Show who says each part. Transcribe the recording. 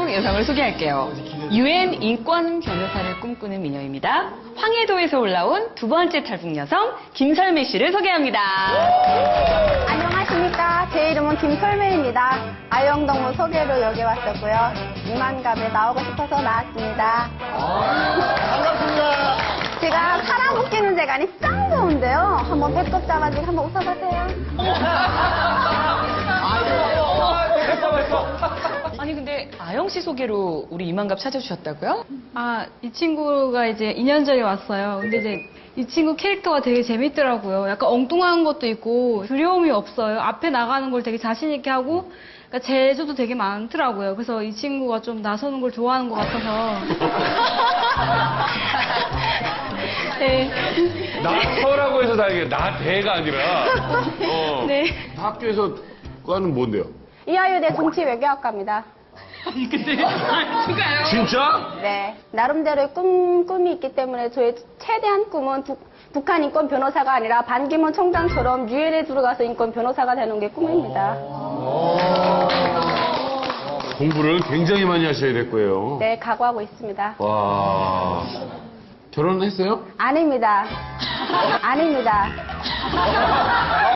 Speaker 1: 속 여성을 소개할게요. UN 인권 변호사를 꿈꾸는 미녀입니다. 황해도에서 올라온 두 번째 탈북 여성 김설매 씨를 소개합니다.
Speaker 2: 안녕하십니까. 제 이름은 김설매입니다. 아영동무 소개로 여기 왔었고요. 이만갑에 나오고 싶어서 나왔습니다.
Speaker 3: 반갑습니다.
Speaker 2: 제가 사람 웃기는 재간이 짱 좋은데요. 한번 배꼽 잡아주고 한번 웃어보세요.
Speaker 1: 아니 근데 아영 씨 소개로 우리 이만갑 찾아주셨다고요?
Speaker 4: 아, 이 친구가 이제 2년 전에 왔어요. 근데 이제 이 친구 캐릭터가 되게 재밌더라고요. 약간 엉뚱한 것도 있고 두려움이 없어요. 앞에 나가는 걸 되게 자신 있게 하고 그러니까 재주도 되게 많더라고요. 그래서 이 친구가 좀 나서는 걸 좋아하는 것 같아서 네.
Speaker 3: 나서라고 해서 다행이에요. 나대가 아니라.
Speaker 4: 네.
Speaker 3: 학교에서 과는 뭔데요?
Speaker 2: 이화여대 정치외교학과입니다.
Speaker 3: 진짜?
Speaker 2: 네. 나름대로의 꿈이 있기 때문에 저의 최대한 꿈은 북한 인권 변호사가 아니라 반기문 총장처럼 유엔에 들어가서 인권 변호사가 되는 게 꿈입니다.
Speaker 3: 공부를 굉장히 많이 하셔야 될 거예요.
Speaker 2: 네, 각오하고 있습니다.
Speaker 3: 와. 결혼했어요?
Speaker 2: 아닙니다. 아닙니다.